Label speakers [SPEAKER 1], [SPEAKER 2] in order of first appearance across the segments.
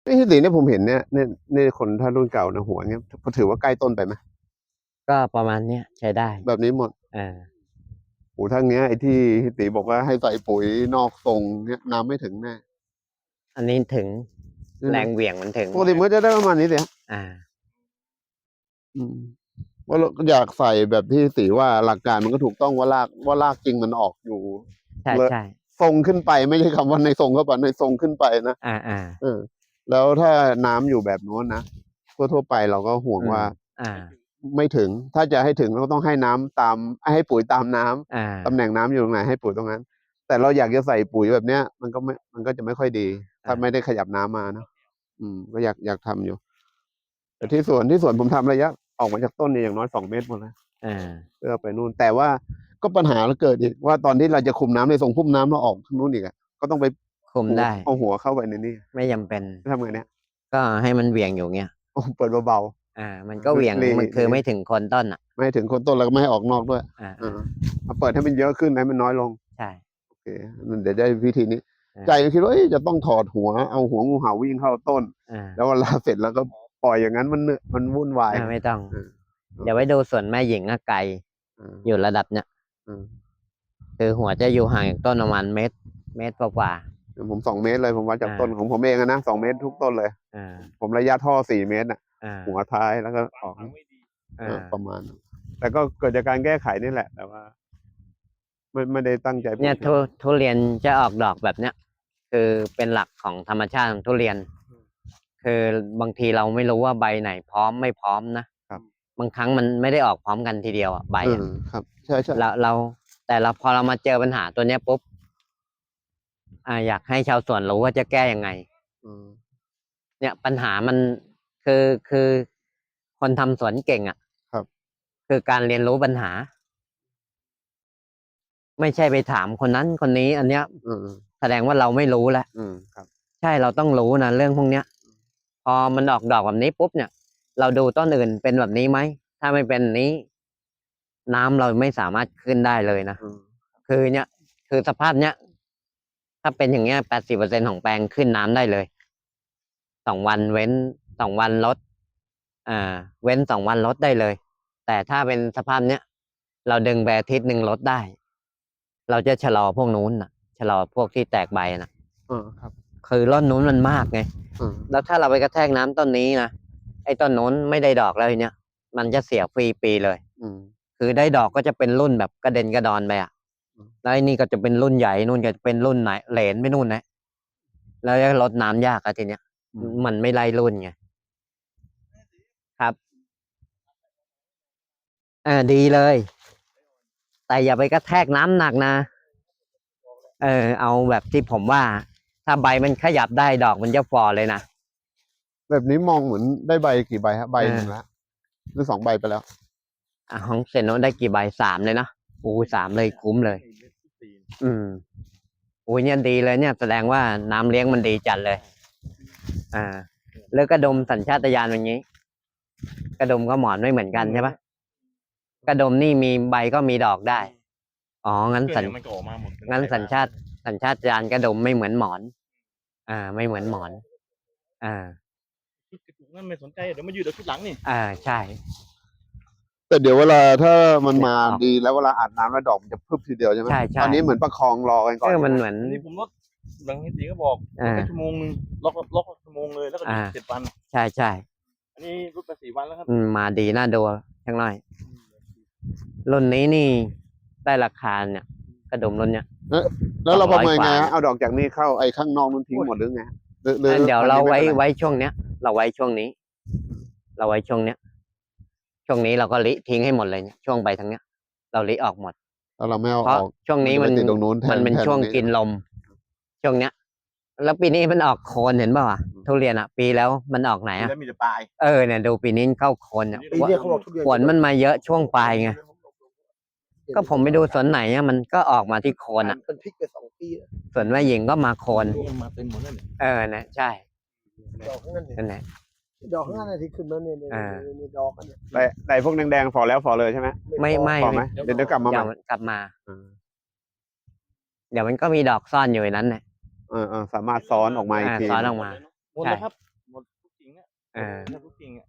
[SPEAKER 1] พี่ตีเนี่ยผมเห็นเนี่ยคนถ้ารุ่นเก่านะหัวเนี่ยถือว่าใกล้ต้นไปไหม
[SPEAKER 2] ก็ประมาณเนี้ยใช้ได้
[SPEAKER 1] แบบนี้หมด
[SPEAKER 2] อ่า
[SPEAKER 1] โอ้ทั้งเนี้ยไอ้ที่พี่ตีบอกว่าให้ใส่ปุ๋ยนอกทรงเนี่ยน้ำไม่ถึงแน่
[SPEAKER 2] อันนี้ถึง
[SPEAKER 1] นี่นะ
[SPEAKER 2] แรงเหวี่ยงมันถึง
[SPEAKER 1] ปกติมันก็จะได้ประมาณนี้สิฮะ
[SPEAKER 2] อ่า
[SPEAKER 1] อืมว่าเราอยากใส่แบบที่ตีว่าหลักการมันก็ถูกต้องว่าลากจริงมันออกอยู่เลย
[SPEAKER 2] ใช่ใช่
[SPEAKER 1] ทรงขึ้นไปไม่ใช่คำว่าในทรงเข้าไปในทรงขึ้นไปนะ
[SPEAKER 2] อ่า
[SPEAKER 1] เออแล้วถ้าน้ำอยู่แบบโน้นนะทั่วไปเราก็ห่วง
[SPEAKER 2] อืม
[SPEAKER 1] ว่า
[SPEAKER 2] อ่า
[SPEAKER 1] ไม่ถึงถ้าจะให้ถึงเราก็ต้องให้น้ำตามให้ปุ๋ยตามน้ำ
[SPEAKER 2] อ่
[SPEAKER 1] ตำแหน่
[SPEAKER 2] า
[SPEAKER 1] งน้ำอยู่ตรงไหนให้ปุ๋ยตรงนั้นแต่เราอยากจะใส่ปุ๋ยแบบเนี้ยมันก็จะไม่ค่อยดีถ้าไม่ได้ขยับน้ำมานะก็อยากทำอยู่แต่ที่สวนผมทำระยะออกมาจากต้นเนี่ยอย่างน้อย2 เมตรหมดแล้ว
[SPEAKER 2] อ่า
[SPEAKER 1] เพื่อไปนู่นแต่ว่าก็ปัญหาเราเกิดอีกว่าตอนที่เราจะคุมน้ำในส่งพุ่มน้ำเราออกทางนู้นอีกอะก็ต้องไปหู
[SPEAKER 2] คุมได้
[SPEAKER 1] เอาหัวเข้าไปในนี่
[SPEAKER 2] ไม่จำเป็น
[SPEAKER 1] ทำไงเนี่ย
[SPEAKER 2] ก็ให้มันเหวี่ยงอยู่เงี้ย
[SPEAKER 1] โอ้เปิดเบา
[SPEAKER 2] มันก็เหวี่ยง
[SPEAKER 1] ๆรี
[SPEAKER 2] มันคือ
[SPEAKER 1] รี
[SPEAKER 2] ไม่ถึงคนต้นอ่ะ
[SPEAKER 1] ไม่ให้ถึงคนต้นแล้วก็ไม่ให้ออกนอกด้วย
[SPEAKER 2] อ่า
[SPEAKER 1] อ่าเอาเปิดให้มันเยอะขึ้นให้มันน้อยลง
[SPEAKER 2] ใช่
[SPEAKER 1] โอเคเดี๋ยวได้วิธีนี้ใจ
[SPEAKER 2] อ่า
[SPEAKER 1] ก็คิดว่าเอ๊ะจะต้องถอดหัวเอาหัวงูเห่าวิ่งเข้าต้นแล้ว
[SPEAKER 2] อ่า
[SPEAKER 1] เวลาเสร็จแล้วก็ปล่อยอย่างนั้นมันวุ่นวาย
[SPEAKER 2] ไม่ต้อง
[SPEAKER 1] อ่า
[SPEAKER 2] เดี๋ยวไว้ดูส่วนแม่หญิงอะไกล
[SPEAKER 1] อ่า
[SPEAKER 2] อยู่ระดับเนี้ย
[SPEAKER 1] อ่า
[SPEAKER 2] คือหัวจะอยู่ห่างจากต้นประมาณเมตรกว่า
[SPEAKER 1] ผม2 เมตรเลยผมวัดจาก
[SPEAKER 2] อ่า
[SPEAKER 1] ต้นของผมเองนะ2 เมตรทุกต้นเลย
[SPEAKER 2] อ่า
[SPEAKER 1] ผมระยะท่อ4 เมตรน่ะ
[SPEAKER 2] อ่า
[SPEAKER 1] หัวท้ายแล้วก็ออกประมาณนั้นแต่ก็เกิดจากการแก้ไขนี่แหละแต่ว่าไม่ได้ตั้งใจปลู
[SPEAKER 2] เนี่ย
[SPEAKER 1] กอย่างนั้น
[SPEAKER 2] ทุเรียนจะออกดอกแบบเนี้ยคือเป็นหลักของธรรมชาติของทุเรียนคือบางทีเราไม่รู้ว่าใบไหนพร้อมไม่พร้อมนะครับบางครั้งมันไม่ได้ออกพร้อมกันทีเดียวอ่ะใบ
[SPEAKER 1] เออ
[SPEAKER 2] อ่ะ
[SPEAKER 1] ครับใช่ใช่
[SPEAKER 2] เราแต่เราพอเรามาเจอปัญหาตัวเนี้ยปุ๊บอยากให้ชาวสวนรู้ว่าจะแก้ยังไง
[SPEAKER 1] อืม
[SPEAKER 2] เนี่ยปัญหามันคือคนทำสวนเก่งอ่ะ
[SPEAKER 1] ครับ
[SPEAKER 2] คือการเรียนรู้ปัญหาไม่ใช่ไปถามคนนั้นคนนี้อันเนี้ย
[SPEAKER 1] อืม
[SPEAKER 2] แสดงว่าเราไม่รู้แล้ว
[SPEAKER 1] ครับ
[SPEAKER 2] ใช่เราต้องรู้นะเรื่องพวกเนี้ยพอมันออกดอกแบบนี้ปุ๊บเนี่ยเราดูต้นอื่นเป็นแบบนี้ไหมถ้าไม่เป็นนี้น้ำเราไม่สามารถขึ้นได้เลยนะ
[SPEAKER 1] อืม
[SPEAKER 2] คือเนี่ยคือสภาพเนี้ยถ้าเป็นอย่างเงี้ย80%ของแปลงขึ้นน้ำได้เลย2 วันเว้น2 วันลดเว้น2 วันลดได้เลยแต่ถ้าเป็นสภาพเนี้ยเราดึงไปอาทิตย์หนึ่งลดได้เราจะชะลอพวกนู้นน่ะชะลอพวกที่แตกใบน่ะ
[SPEAKER 1] ครับ
[SPEAKER 2] คือร่อนนู้นมันมากไงแล้วถ้าเราไปกระแทกน้ำต้นนี้นะไอ้ต้นนู้นไม่ได้ดอกแล้วทีเนี้ยมันจะเสียฟรีปีเลยคือได้ดอกก็จะเป็นรุ่นแบบกระเด็นกระดอนไปอ่ะแล้วไอ้นี่ก็จะเป็นรุ่นใหญ่นู่นก็จะเป็นรุ่นไหนเหลนไปนู่นนะแล้วจะลดน้ำยากอะทีเนี้ยมันไม่ไล่รุ่นไงครับดีเลย แต่อย่าไปกระแทกน้ำหนักนะเอาแบบที่ผมว่า ถ้าใบมันขยับได้ดอกมันจะฝ่อเลยนะ
[SPEAKER 1] แบบนี้มองเหมือนได้ใบกี่ใบฮะใบหนึ่ง
[SPEAKER 2] เออ
[SPEAKER 1] ละหรือ2 ใบไปแล้ว
[SPEAKER 2] ของเซนโนได้กี่ใบ3เลยนะ3เลยคุ้มเลย อืมเนี่ยดีเลยเนี่ยแสดงว่าน้ำเลี้ยงมันดีจัดเลยอ่าแล้วกระดมสัญชาตญาณอย่างนี้กระดมก็หมอนไม่เหมือนกันใช่ปะกระดมนี่มีใบก็มีดอกได้อ๋องั้นสัญชาตญาณกระดมไม่เหมือนหมอนไม่เหมือนหมอนอ่า
[SPEAKER 3] นั่นไม่สนใจเดี๋ยวมายืดเดี๋ยวชุดหลังนี่
[SPEAKER 2] ใช่
[SPEAKER 1] แต่เดี๋ยวเวลาถ้ามันมา
[SPEAKER 2] ออก
[SPEAKER 1] ดีแล้วเวลาอาบน้ำแล้วดอกมันจะพึบทีเดียวใช่ไหม
[SPEAKER 2] ใช่
[SPEAKER 1] ตอนนี้เหมือนประคองรอกันก่อน
[SPEAKER 2] มันเหมือน
[SPEAKER 3] อันนี้ผมลดบางทีก็บอกลดไปชั่วโมงนึงล็อกชั่วโมงเลยแล้วก็7 วัน
[SPEAKER 2] ใช่
[SPEAKER 3] อันนี้ลดไป4 วันแล้วครับ
[SPEAKER 2] มาดีน่าดูทั้งน้อยรุ่นนี้นี่ได้ราคาเนี่ยกระดุมรุ่นเนี้ย
[SPEAKER 1] แล้วเราประเมินไง
[SPEAKER 2] 200 กว่า
[SPEAKER 1] ฮะเอาดอกจากนี้เข้าไอ้ข้างนอกนั้นทิ้งหมดหรือไง
[SPEAKER 2] เดี๋ยวเรา
[SPEAKER 1] อันนี้ม่ป็นร
[SPEAKER 2] ไว้ช่วงเนี้ย เราไว้ช่วงนี้ เราไว้ช่วงเนี้ย ช่วงนี้เราก็ลิทิ้งให้หมดเลยเนี่ยช่วงใบทั้งเนี้ย เราลิออกหมด
[SPEAKER 1] แล้วเราไม่เอา
[SPEAKER 2] เพราะ
[SPEAKER 1] ออก
[SPEAKER 2] ช่วงนี้
[SPEAKER 1] จะไปติดตรงนู้นแทน
[SPEAKER 2] เป็นช่วง
[SPEAKER 1] ตรงนี้
[SPEAKER 2] กินลม ช่วงเนี้ย แล้วปีนี้มันออกโคนเห็นป่าวทุเรียนปีแล้วมันออกไหน
[SPEAKER 3] แล้วมีแต่ปลาย
[SPEAKER 2] เนี่ยดูปีนี้เข้าโคนเนี่ย
[SPEAKER 4] ปีนี้เขาบอกทุเรียน
[SPEAKER 2] ฝนมันมาเยอะช่วงปลายไงก็ผมไปดูสวนไหนมันก็ออกมาที่โคน
[SPEAKER 4] เป็นพริกไป2 ปีแล้ว
[SPEAKER 2] ส่วนแม่หญิงก็มาโคน
[SPEAKER 3] มาเต็มหมดแล้ว
[SPEAKER 2] นะใช่
[SPEAKER 4] ดอกนั่นเนี่ย
[SPEAKER 2] นั่นแหละ
[SPEAKER 4] ดอกข้างหน้าที่ขึ้นมาเนี่ยดอกเนี่ย
[SPEAKER 1] แต่พวกแดงๆฝ่อแล้วฝ่อเลยใช่ไหม
[SPEAKER 2] ไม่
[SPEAKER 1] ฝ่อไหมเดี๋ยวกลับมาใหม่
[SPEAKER 2] กลับมา เดี๋ยวมันก็มีดอกซ่อนอยู่ในนั้นแหละ
[SPEAKER 1] สามารถซ้อนออกมาอีกที
[SPEAKER 2] ซ้อนออกมา
[SPEAKER 3] หมดแล้วครับ
[SPEAKER 2] อ่า
[SPEAKER 3] แทบทุกกิ่งอ่ะ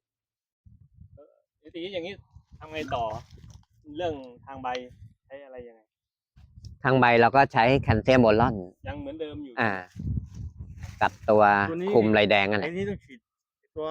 [SPEAKER 3] ทีนี้อย่างนี้ทำไงต่อ เรื่องทางใบใช้อะไรยังไง
[SPEAKER 2] ทางใบเราก็ใช้แคลเซียมโบรอน
[SPEAKER 3] ยังเหมือนเดิมอยู่
[SPEAKER 2] กับตัว
[SPEAKER 3] ตัวนี้
[SPEAKER 2] คุมลายแดงนั่นแห
[SPEAKER 3] ไอ้
[SPEAKER 2] ละ
[SPEAKER 3] นี่ต้องฉีดตัว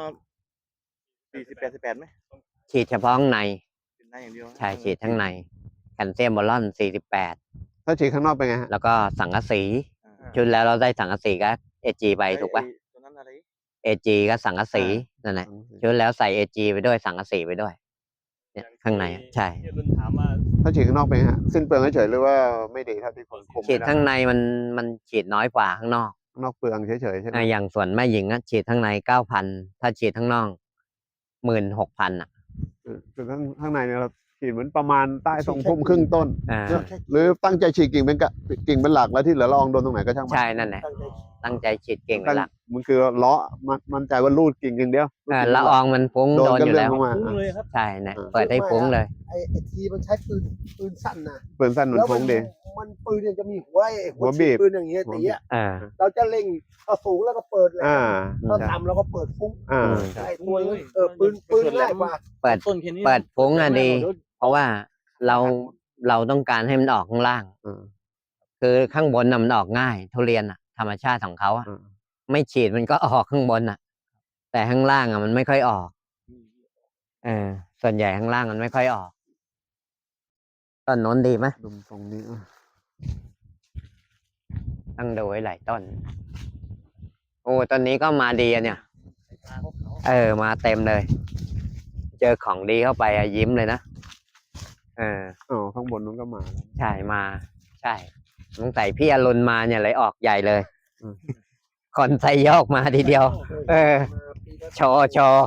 [SPEAKER 3] 48ไหม
[SPEAKER 2] ฉีดเฉพาะข้างใน
[SPEAKER 3] เป็นได้อย่างเดียว
[SPEAKER 2] ใช่ฉีดข้างในแคลเซียมโบรอน48
[SPEAKER 1] ถ้าฉีดข้างนอกเป็นไงฮะ
[SPEAKER 2] แล้วก็สังกะสี
[SPEAKER 3] อ่า
[SPEAKER 2] ชุดแล้วเราได้สังกะสีก็เอจีไปถูกปะ
[SPEAKER 3] ตัวนั้นอะไร
[SPEAKER 2] เอจีก็สังกะสีนั่นแหละชุดแล้วใส่เอจีไปด้วยสังกะสีไปด้วย เนี่ยข้างในอะใช่
[SPEAKER 3] ที่รุ่นถามว่า
[SPEAKER 1] ถ้าฉีดข้างนอกเป็นไงฮะสิ้นเปลืองเฉยๆหรือว่าไม่ดีเท่าที่คนคุม
[SPEAKER 2] ฉีดข้างในมันฉีดน้อยกว่าข้างนอก
[SPEAKER 1] ข้างนอกเปลืองเฉยๆใช่ไหม
[SPEAKER 2] อย่างส่วนแม่หญิงอะฉีดข้างใน9,000ถ้าฉีดข้างนอก16,000อ่ะ
[SPEAKER 1] คือข้างในเนี่ยเราฉีดเหมือนประมาณใต้ทรงพุ่มครึ่งต้น
[SPEAKER 2] อ่า
[SPEAKER 1] หรือตั้งใจฉีดกิ่งเป็นหลักแล้วที่เหลือลองโดนตรงไหนก็ช่างมัน
[SPEAKER 2] ใช่นั่นแหละตั้งใจฉีดเก่งเป็นหลัก
[SPEAKER 1] มันคือเลาะมั่นใจว่ารูดกิ่งอย่างเดียวรูดกิ่ง
[SPEAKER 2] ละอองมันฟุ้ง
[SPEAKER 1] โดน
[SPEAKER 2] โดน
[SPEAKER 1] ก็
[SPEAKER 2] อยู่
[SPEAKER 1] เรื่อ
[SPEAKER 2] แล้
[SPEAKER 1] ง
[SPEAKER 2] ว
[SPEAKER 1] ลงมา
[SPEAKER 3] ฟุ้งเลยครับ
[SPEAKER 2] ใช่เนี่ยเปิดให้ฟุ้งเลย
[SPEAKER 4] ไอ้ทีมันใช้ปืนสั้นนะ
[SPEAKER 1] เปลืองสั้นเหมือนฟุ้งดี
[SPEAKER 4] มันปืนเนี่ยจะมีหัวไอ้
[SPEAKER 1] หัวบีบ
[SPEAKER 4] ปืนอย่างเงี้ย
[SPEAKER 1] หัว
[SPEAKER 4] ตี
[SPEAKER 1] บีบ
[SPEAKER 4] อ่ะ
[SPEAKER 2] อ่า
[SPEAKER 4] เราจะเล็งเอาสูงแล้วก็เปิดเลย
[SPEAKER 1] อ่า
[SPEAKER 4] ถ้าต่ำเราก็เปิดฟุ้ง
[SPEAKER 1] อ่า
[SPEAKER 4] ไอ้ตัวนี้ปืนง่ายกว่า
[SPEAKER 2] เปิด
[SPEAKER 3] ต้นแค่นี้
[SPEAKER 2] เปิดฟุ้งอะดี
[SPEAKER 3] เยว
[SPEAKER 2] เพราะว่าเราต้องการให้มันออกข้างล่าง
[SPEAKER 1] อ่า
[SPEAKER 2] คือข้างบนน่ะมันออกง่าย ทุเรียนอ่ะ ธรรมชาติของเขาอ่ะ
[SPEAKER 1] อ่า
[SPEAKER 2] ไม่ฉีดมันก็ออกข้างบนอ่ะ แต่ข้างล่างอ่ะมันไม่ค่อยออกส่วนใหญ่ข้างล่างมันไม่ค่อยออกต้นโน้นดีไหม
[SPEAKER 1] ดูตรงนี้อ่ะ
[SPEAKER 2] ต้องดูไว้หลายต้น โอ้ต้นนี้ก็มาดีอะเนี่ย มาเต็มเลย เจอของดีเข้าไปอะยิ้มเลยนะ
[SPEAKER 1] อ๋อข้างบนนู้นก็มาแล้ว
[SPEAKER 2] ใช่มา ใช่ตั้งแต่พี่อรุณมาเนี่ยเลยออกใหญ่เลย
[SPEAKER 1] อืม
[SPEAKER 2] คนใส่ยอกมาทีเดียว โชว์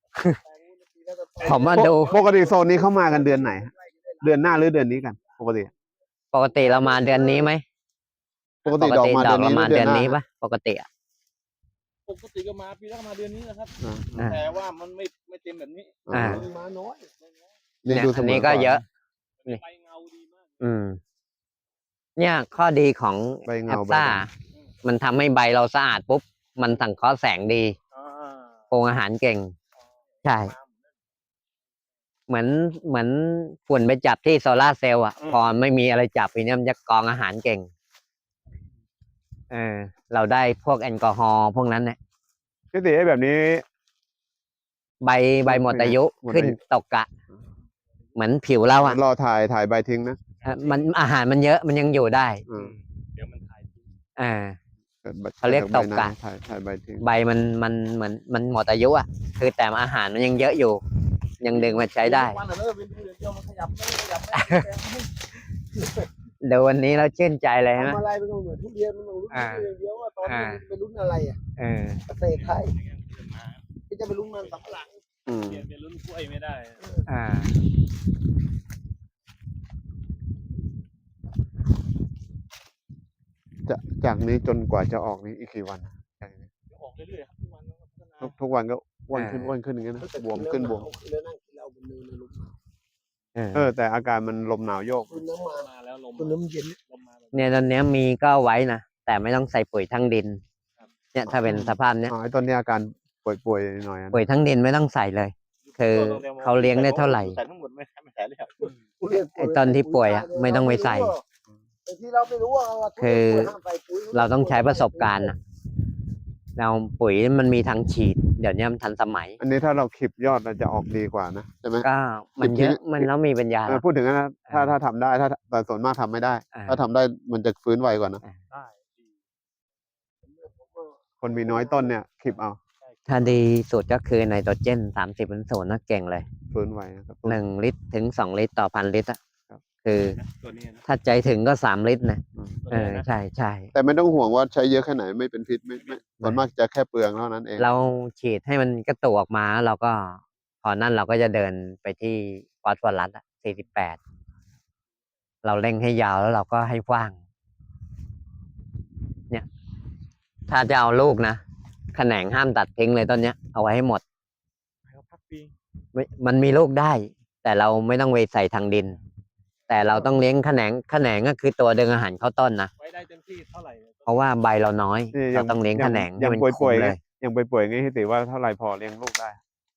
[SPEAKER 2] ผมมาดู
[SPEAKER 1] ปกติโซนนี้เข้ามากันเดือนไหนฮะเดือนหน้าหรือเดือนนี้กัน ปกติ
[SPEAKER 2] ปกติเรามาเดือนนี้ไหม
[SPEAKER 1] ปกติดอกมา
[SPEAKER 2] ด
[SPEAKER 1] เดื
[SPEAKER 2] อ
[SPEAKER 1] อก น
[SPEAKER 2] เรา
[SPEAKER 1] นี้ห
[SPEAKER 2] มา
[SPEAKER 1] รือเดื
[SPEAKER 2] เดื
[SPEAKER 1] อ
[SPEAKER 2] อน น
[SPEAKER 1] หน้า
[SPEAKER 2] นี้
[SPEAKER 1] ฮะ
[SPEAKER 2] ปะปกติอะ
[SPEAKER 3] ปกติก็มาปีแรกมาเดือนนี้นะครับ
[SPEAKER 1] อ่า
[SPEAKER 3] แต่ว่ามันไม่เต็มแบบนี้
[SPEAKER 2] อ่า
[SPEAKER 4] มาน้อย
[SPEAKER 1] นี่
[SPEAKER 2] เนี่ย
[SPEAKER 1] ดู
[SPEAKER 2] อันนี้ก็เยอะ นี่
[SPEAKER 3] ใบเงาดีมาก
[SPEAKER 2] เนี่ยข้อดีของ
[SPEAKER 1] ใบ
[SPEAKER 2] แอ
[SPEAKER 1] เงา
[SPEAKER 2] ป
[SPEAKER 1] ใบ
[SPEAKER 2] ซ่า
[SPEAKER 1] ด
[SPEAKER 2] มันทำให้ใบเราสะอาดปุ๊บ มันสังเคราะห์แสงดี
[SPEAKER 3] อ่า
[SPEAKER 2] ปรุงอาหารเก่ง ใช่ เหมือนฝุ่นไปจับที่โซลาร์เซลล์อ่ะ พอไม่มีอะไรจับทีเนี้ยมันจะกรองอาหารเก่ง เราได้พวกแอลกอฮอล์พวกนั้นเนี่ย
[SPEAKER 1] ำพี่ติไอ้แบบนี้
[SPEAKER 2] ใบหมดอายุ
[SPEAKER 1] หมดอายุ
[SPEAKER 2] ขึ้นตกกะ เหมือนผิวเราอ่ะ
[SPEAKER 1] รอถ่ายใบทิ้งนะ
[SPEAKER 2] มันอาหารมันเยอะมันยังอยู่ได้
[SPEAKER 1] อืม
[SPEAKER 3] เดี๋ยวมันถ่ายทิ้ง
[SPEAKER 2] เขาเรียกตกกะ
[SPEAKER 1] ถ่ายใบทิ้ง
[SPEAKER 2] ใบมันเหมือนมันหมดอายุอ่ะ คือแต่อาหารมันยังเยอะอยู่ ยังดึงมาใช้ได้
[SPEAKER 3] วันน่ะเว้นดูเดี๋ยวมันขยับไม่ขยับไม่
[SPEAKER 2] เดี๋ยววันนี้เราชื่นใจเลยนะ
[SPEAKER 4] ทำอะไรไม่ต้องเหมือนทุเรียนมันต้องลุ้นทุเรียนเดียวว่าตอนนี้มันไปลุ้นอะไรอ่ะ เกษตรไทยที่จะไปลุ้นมันสำปะหลัง
[SPEAKER 1] อืม
[SPEAKER 3] เปลี่ยนเป็นรุ่นกล้วยไม่ได้
[SPEAKER 1] จากนี้จนกว่าจะออกนี้อีกกี่วันจากนี้
[SPEAKER 3] ออกเรื่อยๆครับทุกวันพัฒนา
[SPEAKER 1] ทุกวันก็อ้วนขึ้นอย่างเงี้ยนะบวมขึ้นบวม
[SPEAKER 4] แล้วนั่งกินเหล้าบนเนินในลม
[SPEAKER 1] แต่อาการมันลมหนาวโยก
[SPEAKER 4] คุณน้ำมา
[SPEAKER 3] มาแล้วลม
[SPEAKER 4] คุณน้ำเย็น
[SPEAKER 3] ลมมาแบบ
[SPEAKER 2] เนี่ยตอนเนี้ยมีก็ไว้นะแต่ไม่ต้องใส่ปุ๋ยทั้งดิน เนี่ยถ้าเป็นสภาพเนี้ย
[SPEAKER 1] อ๋อไอ้ตอนนี้อาการป่วยๆหน่อยนะ
[SPEAKER 2] ปุ๋ยทั้งดินไม่ต้องใส่เลย คือเขาเลี้ยงได้เท่าไหร่
[SPEAKER 3] ใส่ทั้งหมดไม่ใส่เลยครับ
[SPEAKER 2] ไอ้ตอนที่ป่วยอะไม่ต้องไปใส่
[SPEAKER 4] ที่เราไม่รู้ว่า
[SPEAKER 2] คือเราต้องใช้ประสบการณ์อะเราปุ๋ยมันมีทางฉีด เดี๋ยวนี้มันทันสมัย
[SPEAKER 1] อันนี้ถ้าเราคลิปยอดเราจะออกดีกว่านะใช่ไหม
[SPEAKER 2] ก็มันเยอะมันแล้วมีปัญญา
[SPEAKER 1] พูดถึงนะถ้าทำได้แต่ส่วนมากทำไม่ได้ ถ้าทำได้มันจะฟื้นไวกว่านะ
[SPEAKER 3] ได้
[SPEAKER 1] คนมีน้อยต้นเนี่ยคลิปเอา
[SPEAKER 2] ถ้าดีสุดก็คือไนโตรเจน30%นะเก่งเลย
[SPEAKER 1] ฟื้นไวนะครับ
[SPEAKER 2] 1 ลิตรถึง 2 ลิตรต่อพันลิตรอะ
[SPEAKER 1] ครับ
[SPEAKER 2] คือ
[SPEAKER 3] ตัวนี้นะ
[SPEAKER 2] ถ้าใจถึงก็3 ลิตรนะ
[SPEAKER 3] ตัวนี้นะ
[SPEAKER 2] ใช่ใช่
[SPEAKER 1] แต่ไม่ต้องห่วงว่าใช้เยอะแค่ไหนไม่เป็นพิษไม่ส่วนมากจะแค่เปลืองเท่านั้นเอง
[SPEAKER 2] เราฉีดให้มันกระตุกออกมาเราก็พอนั่นเราก็จะเดินไปที่ฟอสฟอรัส48เราเร่งให้ยาวแล้วเราก็ให้กว้าง เนี่ย ถ้าจะเอาลูกนะแขนงห้ามตัดทิ้งเลยต้นเนี้ยเอาไว้ให้หมด
[SPEAKER 3] ให้เขาพักปี
[SPEAKER 2] มันมีลูกได้ แต่เราไม่ต้องไปใส่ทางดิน แต่เราต้องเลี้ยงแขนงก็คือตัวดึงอาหารเข้าต้นนะ
[SPEAKER 3] ไว้ได้เต็มที่เท่าไหร่
[SPEAKER 2] เพราะว่าใบเราน้อย
[SPEAKER 1] นี่
[SPEAKER 2] เราต้องเลี้ยงแขนงให้
[SPEAKER 1] ยัง
[SPEAKER 2] มัน
[SPEAKER 1] ป่
[SPEAKER 2] คุ้ม
[SPEAKER 1] วย
[SPEAKER 2] เลย
[SPEAKER 1] ยังไปป่วยงี้พี่ติว่าเท่าไหร่พอเลี้ยงลูกได้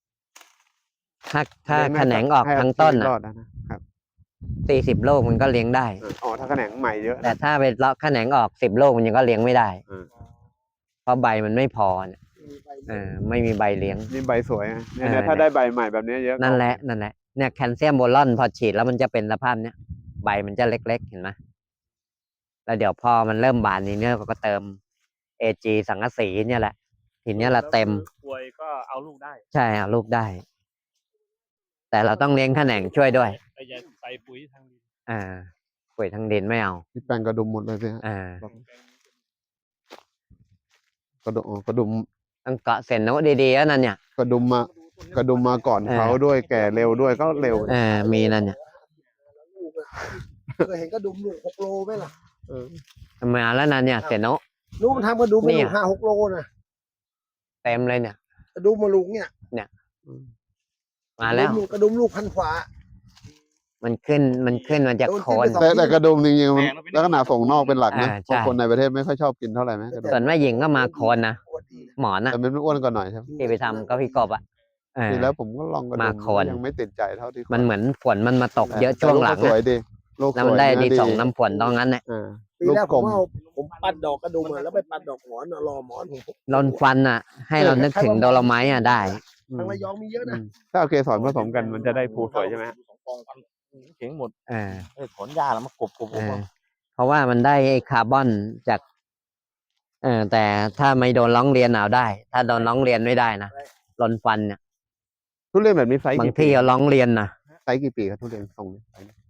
[SPEAKER 2] ถ้า
[SPEAKER 1] เลี้ยง
[SPEAKER 2] แข
[SPEAKER 1] ได้
[SPEAKER 2] นงออก
[SPEAKER 1] ให้
[SPEAKER 2] ทั้งต้น
[SPEAKER 1] ชีวิ
[SPEAKER 2] อ่ะ
[SPEAKER 1] รอดนะครับ
[SPEAKER 2] 40 ลูกมันก็เลี้ยงได้
[SPEAKER 1] อ๋อถ้าแขนงใหม่เยอะ
[SPEAKER 2] แต่
[SPEAKER 1] นะ
[SPEAKER 2] ถ้าไปเลาะแขนงออก10 ลูกมันยังก็เลี้ยงไม่ได้
[SPEAKER 1] เออ
[SPEAKER 2] เพราะใบมันไม่พอเนี่ยไม่มีใบเลี้ยง
[SPEAKER 1] นี่ใบสวยไงเนี่ย
[SPEAKER 2] เออ
[SPEAKER 1] ถ้าได้ใบใหม่แบบนี้เยอะ
[SPEAKER 2] นั่นแหละเนี่ยแคลเซียมโบรอนพอฉีดแล้วมันจะเป็นสภาพเนี้ยใบมันจะเล็กๆเห็นไหมแล้วเดี๋ยวพอมันเริ่มบานนี้เนี่ยก็เติม AG สังกะสีเนี่ยแหละทีเนี้ยละเต็ม
[SPEAKER 3] ป่วยก็เอาลูกได้
[SPEAKER 2] ใช่เอาลูกได้ แต่เราต้องเลี้ยงแขนงช่วยด้วย
[SPEAKER 3] ไอ้ยาใส่ปุ๋ยทางดิน
[SPEAKER 2] ปุ๋ยทางดินไม่เอา
[SPEAKER 1] ที่แปลงกระดุมหมดเลยสิฮะ กระดุม
[SPEAKER 2] ต้องเกาะเส้นโน้ตดีๆแล้วนั่นเนี่ย
[SPEAKER 1] กระดุมมาก่อนเขาด้วยแก่เร็วด้วยก็เร็ว
[SPEAKER 2] มีนั่นเนี่ย
[SPEAKER 4] เคยเห็นกระดุมลูก6 โลไหมล่ะ
[SPEAKER 2] มาแล้วนั่นเนี่ยเส้นโน้ต
[SPEAKER 4] ลูกมันทำกระดุมเป็น
[SPEAKER 2] เนี่
[SPEAKER 4] ลู
[SPEAKER 2] ย
[SPEAKER 4] ก5-6 โลนะ
[SPEAKER 2] เต็มเลยเนี่ย
[SPEAKER 4] กระดุมมาลูกเนี่ย
[SPEAKER 2] มาแล้ว
[SPEAKER 4] กระดุมลูกพันขวา
[SPEAKER 2] มันขึ้นมันจะโคน
[SPEAKER 1] แต่กระดุมจริงๆมันลักษณะส่งนอกเป็นหลักนะ
[SPEAKER 2] ใช่
[SPEAKER 1] เพราะคนในประเทศไม่ค่อยชอบกินเท่าไหร่ไหมกระดุม
[SPEAKER 2] ส่วนแม่หญิงก็มาโคนนะหมอนนะ
[SPEAKER 1] แต่มันอ้วนกว่าหน่อยใช่ไหม
[SPEAKER 2] ที่ไปทำก็พี่กบอ่ะ
[SPEAKER 1] ทีแล้วผมก็ลองกระดุ
[SPEAKER 2] มาโคน
[SPEAKER 1] ยังไม่ติดใจเท่าที่
[SPEAKER 2] มันเหมือนฝนมันมาตกเยอะช่วงหลัง
[SPEAKER 1] แต่ลูกก็สวย
[SPEAKER 2] อะ
[SPEAKER 1] ดีลูก
[SPEAKER 2] แล้ว
[SPEAKER 1] ส
[SPEAKER 2] มั
[SPEAKER 1] วย
[SPEAKER 2] นได้
[SPEAKER 1] เนื้
[SPEAKER 2] ดี
[SPEAKER 1] อ
[SPEAKER 2] ส่งน้ำฝนตรงนั้นเนี่ย
[SPEAKER 4] ปี
[SPEAKER 1] ลูก
[SPEAKER 4] แรก
[SPEAKER 1] ก
[SPEAKER 4] ผ
[SPEAKER 1] ล
[SPEAKER 4] ม
[SPEAKER 1] ม
[SPEAKER 4] ผมปัดดอกกระดุมอะแล้วไปปัดดอกหมอนอะรอหมอนผม
[SPEAKER 2] ลนฟันอ่ะ ให้เรานึกถึงโดโลไมต์อ่ะได้
[SPEAKER 4] ทางระยองมีเยอะนะ
[SPEAKER 1] ถ้าเอาเกสรผสมกันมันจะได้ภูสวยใช่ไหมฮะ
[SPEAKER 3] 2 กองพันเข็งหมด
[SPEAKER 2] เออ
[SPEAKER 3] ถอนหญ้าแล้วมากบ
[SPEAKER 2] เออเพราะว่ามันได้ไอ้คาร์บอนจากแต่ถ้าไม่โดนร้องเรียนเอาได้ ถ้าโดนร้องเรียนไม่ได้นะลนฟันเนี่ย
[SPEAKER 1] ทุเรียนแบบนี้ไซส์
[SPEAKER 2] บาง
[SPEAKER 1] กี่ปี
[SPEAKER 2] ที่เอาร้องเรียนนะ
[SPEAKER 1] ไซส์กี่ปีครับทุเรียนทรงนี้ไซส์นี้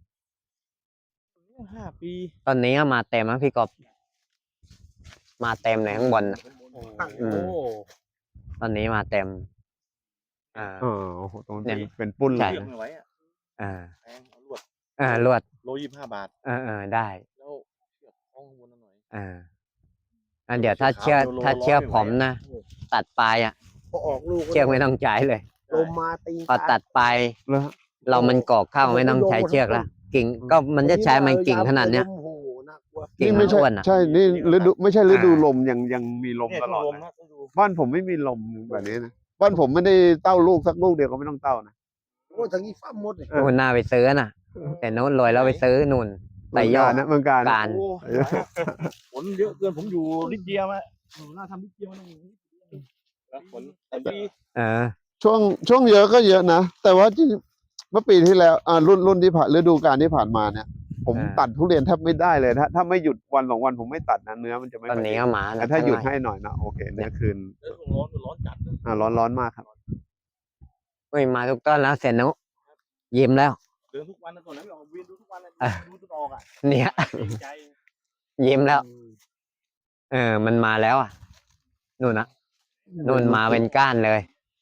[SPEAKER 3] 5 ปี
[SPEAKER 2] ตอนนี้ก็มาเต็มแล้วพี่กบมาเต็มเลยข้างบนน่ะ อืม ตอนนี้มาเต็ม
[SPEAKER 1] อ๋อโอ้โหตรง
[SPEAKER 2] เนี่
[SPEAKER 1] นี้
[SPEAKER 2] ย
[SPEAKER 1] เป็นปุ้นเล
[SPEAKER 2] ใช่
[SPEAKER 1] ย
[SPEAKER 3] เลือกไม่ไหวอ่ะ
[SPEAKER 2] อ่า
[SPEAKER 3] แพงเอาลวด
[SPEAKER 2] ลวด
[SPEAKER 3] โล25 บาท
[SPEAKER 2] ได้
[SPEAKER 3] แล้วเชือกคล้องข้างบนหน่อย
[SPEAKER 2] เดี๋ยวถ้าเชือก
[SPEAKER 3] โล
[SPEAKER 2] ถ้าเชือก
[SPEAKER 3] ร้อย
[SPEAKER 2] ผมนะ ตัดปลายอ่ะ
[SPEAKER 4] พอออกลูก
[SPEAKER 2] เชือกไม่ต้องใช้เลย
[SPEAKER 4] ลมมาตี
[SPEAKER 2] พอตัดปลาย
[SPEAKER 1] แล้ว
[SPEAKER 2] เรามันกอกเข้าไม่ต้องใช้เชือกละกิ่งก็มันจะใช้มันกิ่งขนาดเนี้ย
[SPEAKER 4] โอ้โหน่ากลัว
[SPEAKER 2] กิ่ง
[SPEAKER 1] นี่
[SPEAKER 2] มั
[SPEAKER 1] ไม่
[SPEAKER 2] น
[SPEAKER 1] ใช่
[SPEAKER 2] อ้วนอ่ะ
[SPEAKER 1] ใช่นี่ฤดูไม่ใช่ฤดู
[SPEAKER 2] อ่า
[SPEAKER 1] ลมยังมีลม
[SPEAKER 3] เนี่ย
[SPEAKER 1] ตลอด
[SPEAKER 3] ลม
[SPEAKER 1] นะ
[SPEAKER 3] นะต้องดู
[SPEAKER 1] บ้านผมไม่มีลมแบบนี้นะบ้านผมไม่ได้เต้าลูกสักลูกเดียวก็ไม่ต้องเต้านะ
[SPEAKER 4] โอ้ทางนี้ฟ้าหมดเลย
[SPEAKER 2] นู่นน่าไปซื้อน่ะ แต่โน้นรวยแล้วไปซื้อนู่น
[SPEAKER 1] เมือง
[SPEAKER 2] ย
[SPEAKER 1] กา
[SPEAKER 2] อ
[SPEAKER 1] ร
[SPEAKER 2] ด
[SPEAKER 1] นะเมืองการนะ
[SPEAKER 2] การ
[SPEAKER 3] โอ้ฝนเยอะเกินผมอยู่ลิเดียมาหน้าทำลิเดียมานั่งแล้วฝนแต่ปี
[SPEAKER 1] ช่วงเยอะก็เยอะนะแต่ว่าจริงเมื่อปีที่แล้วรุ่นที่ผ่านฤดูกาลที่ผ่านมาเนี่ย ผมตัดทุเรียนแทบไม่ได้เลยถ้าไม่หยุดวัน2 วันผมไม่ตัดนะเนื้อมันจะไม่
[SPEAKER 2] ตอน
[SPEAKER 1] ค่อย
[SPEAKER 2] นี้
[SPEAKER 1] ดี
[SPEAKER 2] ก็มา
[SPEAKER 1] แต่
[SPEAKER 2] แล้ว
[SPEAKER 1] ถ้าหยุด
[SPEAKER 2] ข้งใน
[SPEAKER 1] ให้หน่อยนะโอเคเนื้อคืน
[SPEAKER 3] เรื่องร้อนจัดนะ
[SPEAKER 1] ร้อนมากครับ
[SPEAKER 2] เฮ้ยมาทุกต้นแล้วเสร็จนุยิ้มแล้ว
[SPEAKER 3] เดินทุกวันนะตอนนั้นเราเวียนดูทุกวันเลยดูจนออกอ่ะ
[SPEAKER 2] เนี่ย
[SPEAKER 3] ดีใจ
[SPEAKER 2] ยิ้มแล้ว มันมาแล้วอ่ะนู่นนะนู่นมาเป็นก้านเลย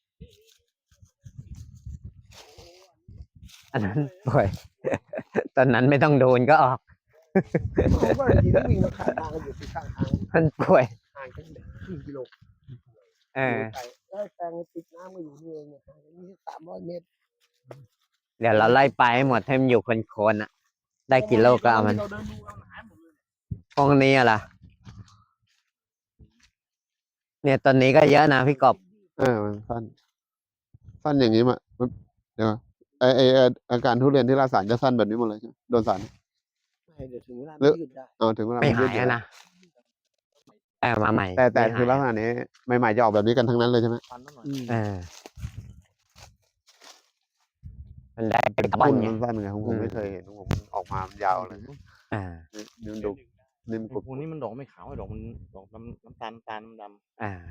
[SPEAKER 2] อันนั้นป่วย ตอนนั้นไม่ต้องโดนก็ออก
[SPEAKER 4] เขาก็ยินวิ่งมาขายทางกันอยู่ที่ข้างทาง
[SPEAKER 2] มันป่วย
[SPEAKER 4] ห่างกัน1 กิโล
[SPEAKER 2] เออ
[SPEAKER 4] ไปแล้วแปลงติดน้ำก็อยู่นี่เองเนี่ยห่างกันนี่300 เมตร
[SPEAKER 2] เดี๋ยวเราไล่ไปให้หมดให้มันอยู่โคนๆอ่ะ ได้กี่โลก็เอามัน
[SPEAKER 3] เราเดินดูเราหายหมดเลย
[SPEAKER 2] พวกนี้อะล่ะ เนี่ยตอนนี้ก็เยอะนะพี่กบ
[SPEAKER 1] มันสั้นอย่างนี้มาเดี๋ยวอาการทุเรียนที่ราสารจะสั้นแบบนี้หมดเลยใช่ไหมโดนสาร
[SPEAKER 4] ให้เดี๋ยวถึงเวลามันยืดได้
[SPEAKER 1] ถึงเวลา
[SPEAKER 2] ไม่
[SPEAKER 1] น
[SPEAKER 2] หาย
[SPEAKER 1] ด
[SPEAKER 2] อะนะมาใหม่
[SPEAKER 1] แต่
[SPEAKER 2] ไม่หาย
[SPEAKER 1] คือลักษณะนี้ใหม่ๆจะออกแบบนี้กันทั้งนั้นเลยใช่ไหม
[SPEAKER 3] ฟันนั่นหน่อย
[SPEAKER 2] มันได้เป็นกระบอ
[SPEAKER 1] ปุ้
[SPEAKER 2] น
[SPEAKER 1] น
[SPEAKER 2] ไง
[SPEAKER 1] มันสั้นไงของผม
[SPEAKER 2] อืม
[SPEAKER 1] ไม่เคยเห็นของผมมันออกมายาวเลย
[SPEAKER 2] อ่า
[SPEAKER 1] นี่มันดูนี่มันกรุบ
[SPEAKER 3] พวกนี้มันดอกไม่ขาวดอกมันดอกน้ำตาลดำ
[SPEAKER 2] อ่า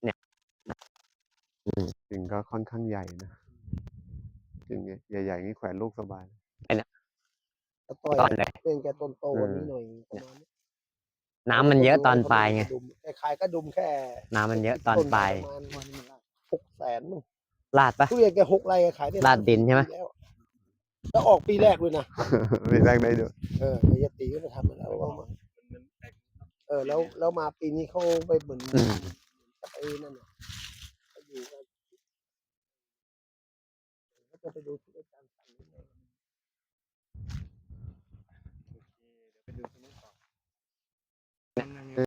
[SPEAKER 1] กิ่งก็ค่อนข้างใหญ่นะกิ่งใหญ่ๆนี่แขวนลูกสบาย
[SPEAKER 4] แล้วต่อย
[SPEAKER 2] ตอนเลย
[SPEAKER 4] เป็นแกต้นโตกว่านี้หน่อยประมาณนี้
[SPEAKER 2] น้ำมันเยอะตอนปลายไง
[SPEAKER 4] ขายกระดุมแค่
[SPEAKER 2] น้ำมันเยอะตอนปลาย
[SPEAKER 4] ประมาณ600,000 มั้ง
[SPEAKER 2] ลาดปะ
[SPEAKER 4] ทุเรียนแก6 ไร่ขายได้
[SPEAKER 2] ลาดดินใช่ไหม
[SPEAKER 4] ปีแล้วแล้วออกปีแรกด้วยนะ
[SPEAKER 1] มีแรกได้ด้วย
[SPEAKER 4] เฮียตีก็ไปทำมาแล้วว่ามาแล้วมาปีนี้เขาไปเหมือน
[SPEAKER 2] อืม
[SPEAKER 4] ไปนั่นน่ะไปอยู่กันก็จะไปดูที่อาจารย์สั่งนี่ไง